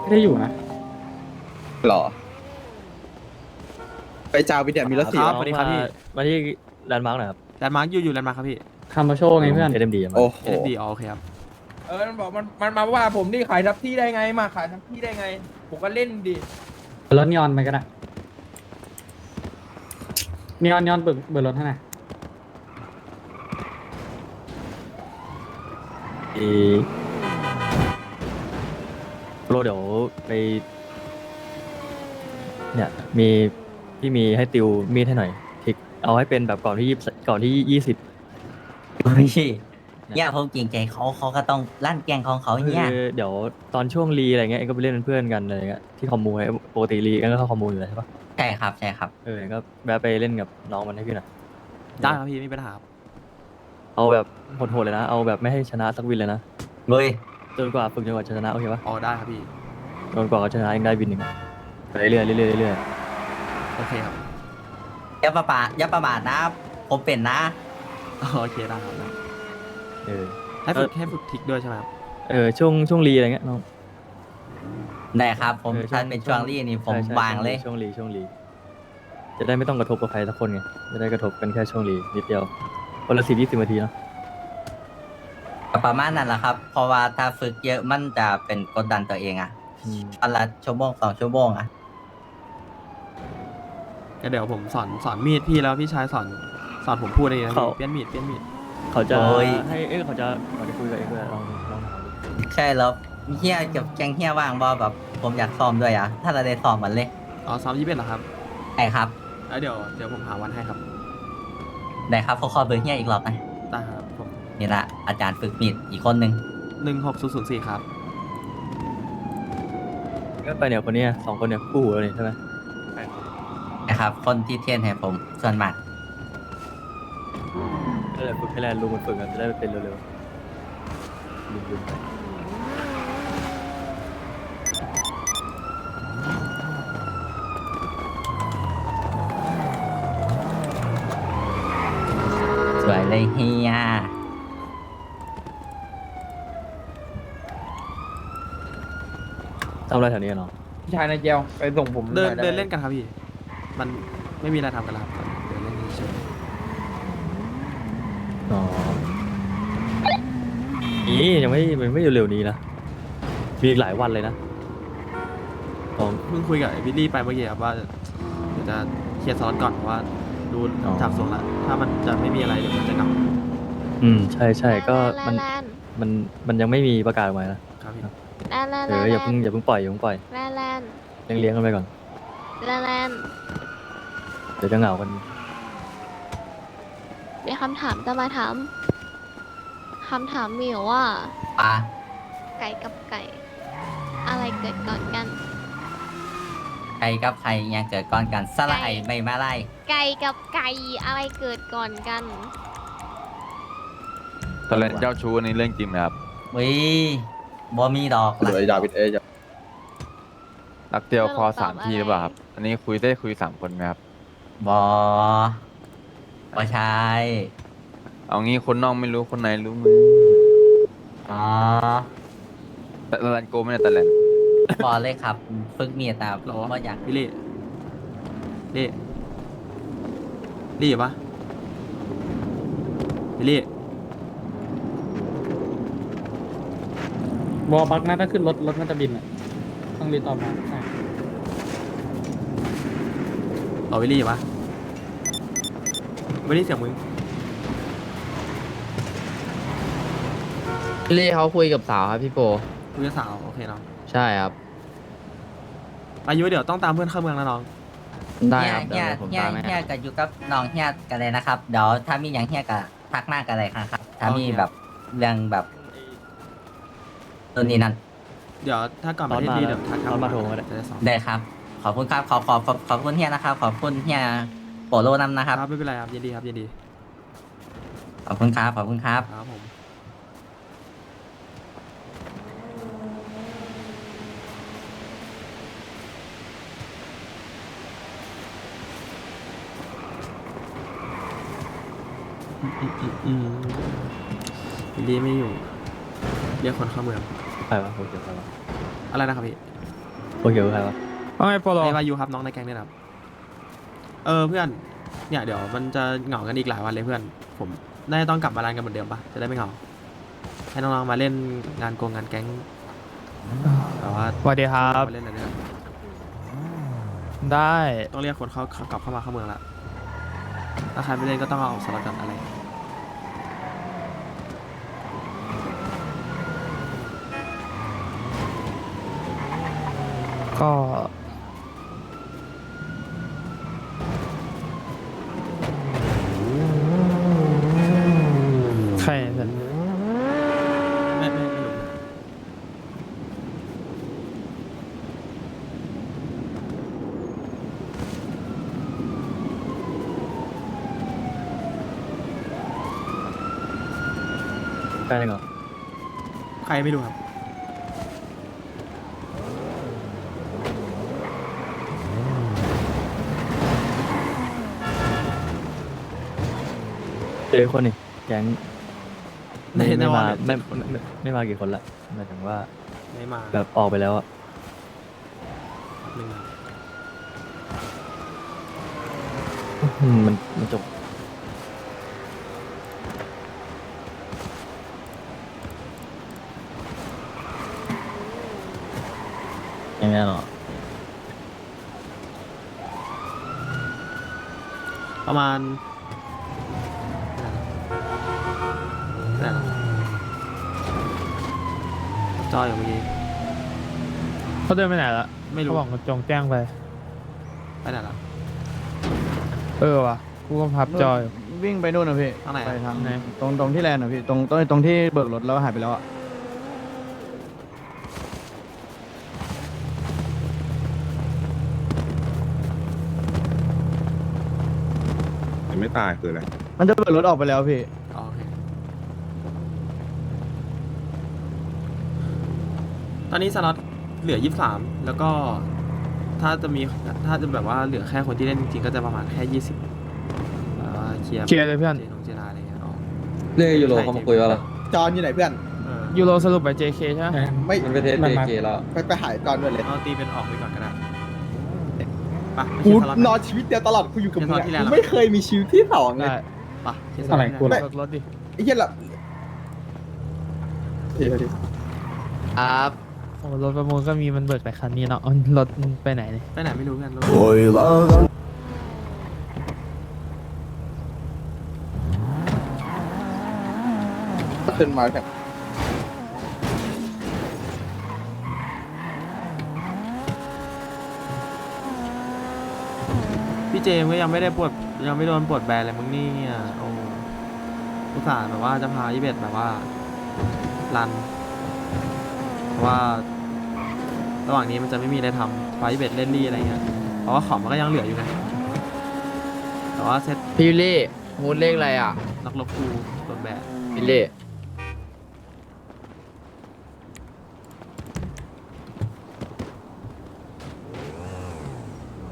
ไม่ได้อยู่นะหรอไปจาววิเดียมีรถคสี่รับวะสวัสดีครับพี่มาที่แลนด์มาร์กหน่อยครับแลนด์มาร์กอยู่แลนด์มาร์กครับพี่คาร์มาโชไงเพื่อนเอ็มดีมาโอ้โหเอสดีโอเคครับมันบอกมันมาว่าผมนี่ขายทับที่ได้ไงมาขายทับที่ได้ไง ผมก็เล่นดิรถนีออนไปก็ได้นีออนเบิกรถให้หน่อยโรเดี๋ยวไปเนี่ยมีพี่มีให้ติวมีดให้หน่อยทิกเอาให้เป็นแบบก่อนที่ 20 เฮ้ยเนี่ยผมเกรงใจเขาก็ต้องลั่นแกล้งของเขาคือเนี่ยเดี๋ยวตอนช่วงรีอะไรเงี้ยเองก็ไปเล่นเป็นเพื่อนกันอะไรเงี้ยที่คอมมูไงปกติรีเองก็เข้าคอมมูอยู่แล้วใช่ปะใช่ครับใช่ครับเองก็แวะไปเล่นกับน้องมันให้พี่หน่อยได้ครับพี่ไม่เป็นปัญหาครับเอาแบบโหดๆเลยนะ เอาแบบไม่ให้ชนะสักวินเลยนะเลยจนกว่าฝึกจนกว่าจะชนะโอเคปะอ๋อได้ครับพี่จนกว่าเขาชนะเองได้วินหนึ่งไปเรื่อยๆเรื่อยๆเรื่อยโอเคครับอย่าประมาทนะ ผมเป็นนะอ๋อโอเคได้ครับได้ๆเออให้ฝึกทิกด้วยใช่ไหมครับช่วงรีอะไรเงี้ยน้องได้ครับผมช่วงถ้าเป็นช่วงรีนี่ผมใช่วางเลยช่วงรีจะได้ไม่ต้องกระทบกับใครสักคนไงจะได้กระทบกันแค่ช่วงรีนิดเดียวคนละ10-20 นาทีเนาะประมาณนั้นแหละครับ เพราะว่าถ้าฝึกเยอะมันจะเป็นกดดันตัวเองอะอืมวันละชั่วโมง2 ชั่วโมงอะก็เดี๋ยวผมสอนมีดพี่แล้วพี่ชายสอนผมพูดเองนะพี่เปลี่ยนมีดเขาจะให้เขาจะคุยกับเองด้วยลองถามดูใช่แล้วเฮียกับแกงเฮียว่างบอแบบผมอยากซ้อมด้วยอะถ้าเราได้ซ้อมมันเลยอ๋อซ้อม21เหรอครับไอ้ครับแล้วเดี๋ยวผมหาวันให้ครับได้ครับขอเบอร์เฮียอีกรอบนะได้ครับผมนี่ละอาจารย์ฝึกมีดอีกคนหนึ่ง 16004ครับก็ไปเนี่ยคนเนี้ย2 คนเนี่ยคู่หูเลยใช่ไหมนะครับ คนที่เทรนให้ผมส่วนมากก็เลยฝึกให้แลนด์ลุงมันฝึกกันจะได้เป็นเร็วๆลุงไปสวยเลยเฮียทำอะไรแถวนี้เนาะพี่ชายนายเจลไปส่งผมเดินหอยไไหมเดินเล่นกันครับพี่ มันไม่มีอะไรทำกันแล้วครับเดินเล่นเฉยอ๋อนี่ยังไม่เร็วๆนี้นะมีอีกหลายวันเลยนะอ๋อเพิ่งคุยกับไอ้วิลลี่ไปเมื่อกี้ครับว่าเดี๋ยวจะเคลียร์สล็อตก่อนเพราะว่าดูอ๋อจากทรงละถ้ามันจะไม่มีอะไรเดี๋ยวมันจะเหงาใช่ก็มันแลนมันยังไม่มีประกาศออกมานะครับพี่แลนแลนอย่าเพิ่งปล่อยแลนแลนเลี้ยงกันไปก่อนแลนเดี๋ยวจะเหงากันมีคำถามจะมาถามคำถามมีอยู่ว่าปลาไก่กับไก่ อะไรเกิดก่อนกันใครกับใครยังเกิดก่อนกันสละไอไม่มาไล่ไก่กับไก่อะไรเกิดก่อนกันตอนเล่นเจ้าชู้ในเรื่องจริงไหมครับวิบ่มีดอกหรือไอ้ดาวิดเอจะรักเดียวคอตอบสามทีอะไรหรือเปล่าครับ อันนี้ได้คุย3 คนไหมครับบ่ใช่เอางี้คนนอกไม่รู้คนในรู้มืออ๋อแต่ตะแลนโกไม่ได้ตะแลนบอเลยครับ ฝึกมีดแต่หรอบ่อยากวิลลี่ลี่ปะวิลลี่วอลบักนะถ้าขึ้นรถมันจะบินอ่ะต้องรีตอบมาใช่รอวิลลี่ปะวิลลี่เสียงมึงลี่เขาคุยกับสาวครับพี่โปคุยกับสาวโอเคน้องใช่ครับอายุเดี๋ยวต้องตามเพื่อนเข้าเมืองนะน้องได้เฮียครับเฮีเดี๋ยยวผมเฮียตามให้เฮียก็อยู่กับน้องเฮียกันเลยนะครับ เดี๋ยวถ้ามีอย่างเฮียก็ทักมากกันเลยครับ ถ้ามีแบบเรื่องแบบตัวนี้นั่นเดี๋ยวถ้าก่อนตปอนระเทศมาดีเดี๋ยวทักตอนมาโทรมาได้จะได้สอนได้ครับ ขอบคุณครับ ขอบคุณเฮียนะครับ ขอบคุณเฮียโปโลนำนะครับครับไม่เป็นไรครับยินดีครับยินดีขอบคุณครับ ขอบคุณครับครับผมวิลลี่ไม่อยู่เรียกคนเข้าเมืองใครวะโอเคใครวะอะไรนะครับพี่โอเคใครวะว่าไงโปโลไอ้วายูครับน้องในแก๊งเนี่ยครับเพื่อนเนี่ยเดี๋ยวมันจะเหงากันอีกหลายวันเลยเพื่อนผมน่าจะต้องกลับมาร้านกันเหมือนเดิมปะจะได้ไม่เหงาให้น้องๆมาเล่นงานงานแก๊งแต่ว่าสวัสดีครับมาเล่นอะไรเนี่ยได้ต้องเรียกคนเขากลับเข้ามาเข้าเมืองละถ้าใครไม่เล่นก็ต้องเอาสล็อตกันอะไรก็ใครเนี่ยไม่รู้ใครเหรอใครไม่รู้ครับเจอคนนี่แก๊งในไม่วัมานเลยไม่มากี่คนละหมายถึงว่าไม่มาแบบออกไปแล้วอะหนึ่งครับมันจบยังไงหรอประมาณไหนนะจอยอยู่เมื่อกี้เขาเดินไปไหนละไม่รู้เขาบอกจงแจ้งไปไปไหนละว่ะกูก็พับจอยวิ่งไปนู่นนะพี่ทางไหนไปอะทางตรงที่แลนด์นะพี่ตรงที่เบิกรถแล้วหายไปแล้วอ่ะยังไม่ตายคืออะไรมันจะเบิกรถออกไปแล้วพี่อ๋อโอเคตอนนี้สล็อตเหลือ 23 แล้วก็ถ้าจะแบบว่าเหลือแค่คนที่เล่นจริงๆก็จะประมาณแค่ 20เคลียร์เคลียร์เลยเพื่อนเจราอะไรเงี้ยอ๋อเรื่องยูโรเขามาคุยว่าอะไรจอนอยู่ไหนเพื่อนเออยูโรสรุปไป JK ใช่ไหมไม่ มันไปเทสเบเกแล้ว ไปหายจอนด้วยเลยเอาตีเป็นออกไปก่อนก็ได้ไปะกูสล็อตนอนชีวิตเดียวตลอดกูอยู่กับมึงเดี๋ยวตอนที่แลนด์กูไม่เคยมีชีวิตที่สองเลยได้ปะเคลียร์สอะล็อตไรที่กูแลนด์รถดิไอ้เหี้ยละเดี๋ยวครับโอ้รถประมูลก็มีมันเบิกแต่คันนี้เนาะรถมันไปไหนเนี่ยไปไหนไม่รู้กันรถขึ้นมาแบบพี่เจมส์ก็ยังไม่ได้ปวดยังไม่โดนปวดแบนเลยมึงนี่เนี่ยโอ้อุตส่าห์แบบว่าจะพา21แบบว่ารันเพราะว่า ระหว่างนี้มันจะไม่มีอะไรทำพา21เล่นรี่อะไรเงี้ยเพราะว่าของมันก็ยังเหลืออยู่ไงแต่ว่าเซตพี่วิลลี่มูดเลขอะไรอ่ะนักลบกูโดนแบนวิลลี่